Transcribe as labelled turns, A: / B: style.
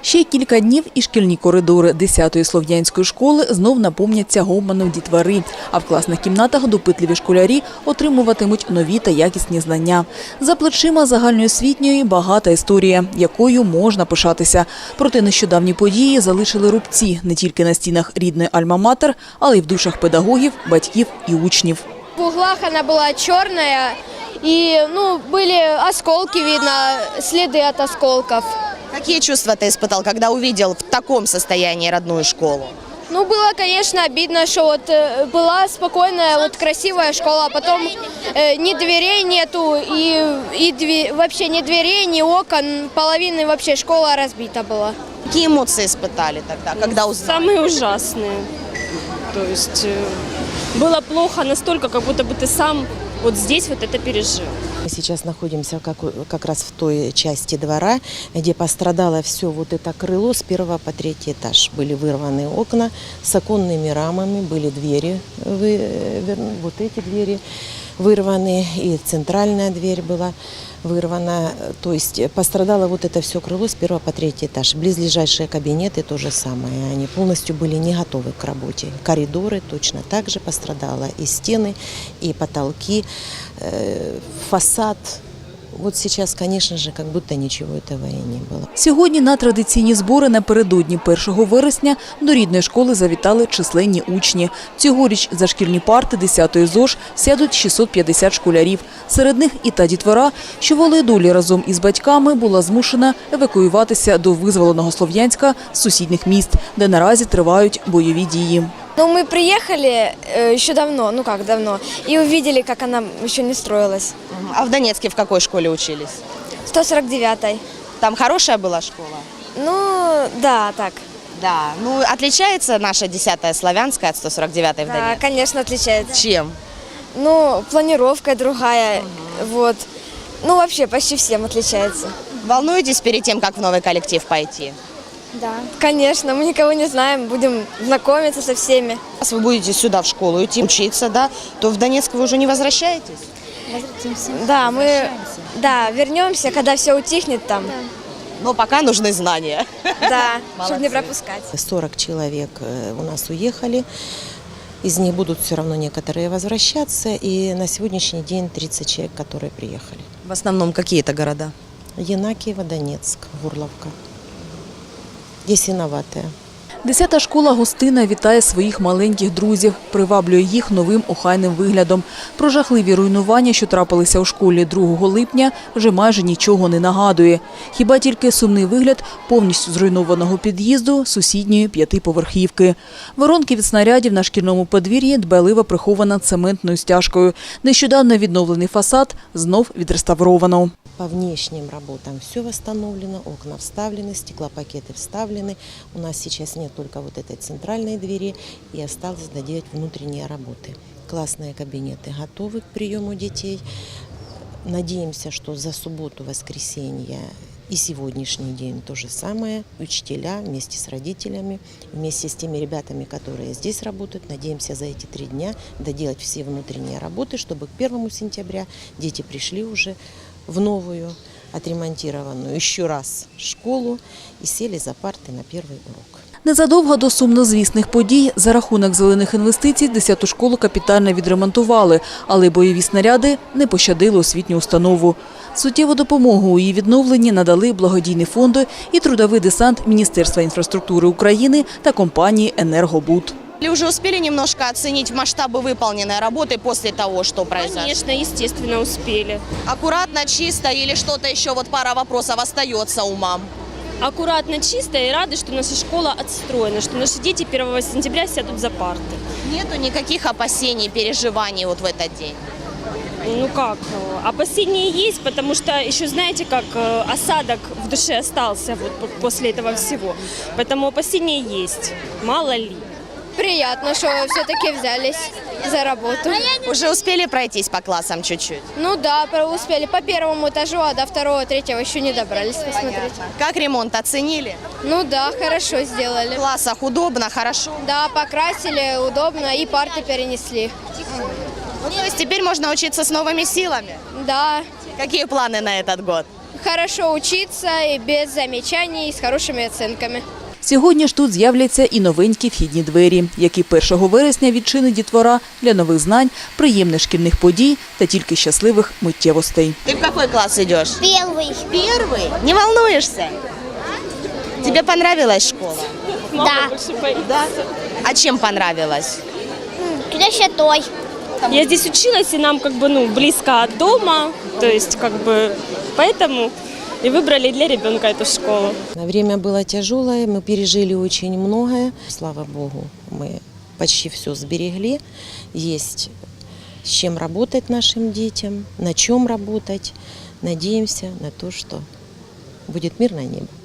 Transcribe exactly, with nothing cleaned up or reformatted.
A: Ще кілька днів і шкільні коридори десятої слов'янської школи знов наповняться гомоном дітвори, а в класних кімнатах допитливі школярі отримуватимуть нові та якісні знання. За плечима загальноосвітньої багата історія, якою можна пишатися. Проте нещодавні події залишили рубці не тільки на стінах рідної альма-матер, але й в душах педагогів, батьків і учнів.
B: В углах она была черная, и ну, были осколки, видно, следы от осколков.
C: Какие чувства ты испытал, когда увидел в таком состоянии родную школу?
B: Ну, было, конечно, обидно, что вот э, была спокойная, вот красивая школа, а потом э, ни дверей нету, и, и дви, вообще ни дверей, ни окон, половина вообще школа разбита была.
C: Какие эмоции испытали тогда, когда узнали?
D: Самые ужасные. То есть э, было плохо настолько, как будто бы ты сам вот здесь вот это пережил.
E: Мы сейчас находимся как, как раз в той части двора, где пострадало все вот это крыло с первого по третий этаж. Были вырваны окна с оконными рамами, были двери, вот эти двери вырваны, и центральная дверь была вырвана. То есть пострадало вот это все крыло с первого по третий этаж. Близлежащие кабинеты то же самое. Они полностью были не готовы к работе. Коридоры точно так же пострадало. И стены, и потолки, фасад. Вот сейчас, конечно же, как будто ничего этого и не было.
A: Сьогодні на традиційні збори напередодні першого вересня до рідної школи завітали численні учні. Цьогоріч за шкільні парти десятої ЗОШ сядуть шістсот п'ятдесят школярів. Серед них і та дітвора, що волею долі разом із батьками була змушена евакуюватися до визволеного Слов'янська з сусідніх міст, де наразі тривають бойові дії.
B: Ну, мы приехали э, еще давно, ну как давно, и увидели, как она еще не строилась.
C: А в Донецке в какой школе учились?
B: сто сорок девятой.
C: Там хорошая была школа?
B: Ну, да, так.
C: Да. Ну, отличается наша десятая Славянская от сто сорок девятой в
B: Да,
C: Донецке?
B: конечно, отличается.
C: Чем?
B: Ну, планировка другая, угу. Вот. Ну, вообще почти всем отличается.
C: Волнуетесь перед тем, как в новый коллектив пойти?
B: Да, конечно, мы никого не знаем, будем знакомиться со всеми.
C: Если вы будете сюда в школу идти учиться, да, то в Донецк вы уже не возвращаетесь?
B: Возвратимся. Да, мы да, вернемся, когда все утихнет там. Да.
C: Но пока нужны знания.
B: Да, чтобы не пропускать.
E: сорок человек у нас уехали. Из них будут все равно некоторые возвращаться. И на сегодняшний день тридцать человек, которые приехали.
C: В основном какие это города?
E: Янакиево, Донецк, Горловка. Ясиноватая.
A: Десята школа гостина вітає своїх маленьких друзів, приваблює їх новим охайним виглядом. Про жахливі руйнування, що трапилися у школі другого липня, вже майже нічого не нагадує. Хіба тільки сумний вигляд повністю зруйнованого під'їзду сусідньої п'ятиповерхівки. Воронки від снарядів на шкільному подвір'ї дбайливо прихована цементною стяжкою. Нещодавно відновлений фасад знов відреставровано.
E: По внешним работам все восстановлено, окна вставлены, стеклопакеты вставлены. У нас сейчас нет только вот этой центральной двери, и осталось доделать внутренние работы. Классные кабинеты готовы к приему детей. Надеемся, что за субботу, воскресенье и сегодняшний день то же самое. Учителя вместе с родителями, вместе с теми ребятами, которые здесь работают, надеемся за эти три дня доделать все внутренние работы, чтобы к первому сентября дети пришли уже в новую, отремонтированную еще раз школу и сели за парты на первый урок.
A: Незадовго до сумнозвісних подій за рахунок зелених інвестицій десяту школу капітально відремонтували, але бойові снаряди не пощадили освітню установу. Суттєву допомогу у її відновленні надали благодійні фонди і трудовий десант Міністерства інфраструктури України та компанії «Енергобуд».
C: Или уже успели немножко оценить масштабы выполненной работы после того, что произошло?
D: Конечно, естественно, успели.
C: Аккуратно, чисто или что-то еще, вот пара вопросов остается у мам?
D: Аккуратно, чисто и рады, что наша школа отстроена, что наши дети первого сентября сядут за парты.
C: Нету никаких опасений, переживаний вот в этот день?
D: Ну как, опасения есть, потому что еще знаете, как осадок в душе остался вот после этого всего. Поэтому опасения есть, мало ли.
B: Приятно, что все-таки взялись за работу.
C: Уже успели пройтись по классам чуть-чуть?
B: Ну да, успели по первому этажу, а до второго, третьего еще не добрались посмотреть.
C: Как ремонт оценили?
B: Ну да, хорошо сделали.
C: В классах удобно, хорошо?
B: Да, покрасили, удобно и парты перенесли.
C: Ну, то есть теперь можно учиться с новыми силами?
B: Да.
C: Какие планы на этот год?
B: хорошо учиться, и без замечаний, и с хорошими оценками.
A: Сьогодні ж тут з'являться і новенькі вхідні двері, які першого вересня відчинить дітвора для нових знань, приємних шкільних подій та тільки щасливих миттєвостей.
C: Ты в какой класс идешь?
F: Первый.
C: Первый? Не волнуешься? Тебе понравилась школа?
F: Да.
C: Да. А чем понравилась?
F: Красотой.
D: Я здесь училась, и нам как бы ну близко от дома, то есть как бы поэтому и выбрали для ребенка эту школу.
E: Время было тяжелое, мы пережили очень многое. Слава Богу, мы почти все сберегли. Есть с чем работать нашим детям, на чем работать. Надеемся на то, что будет мирное небо.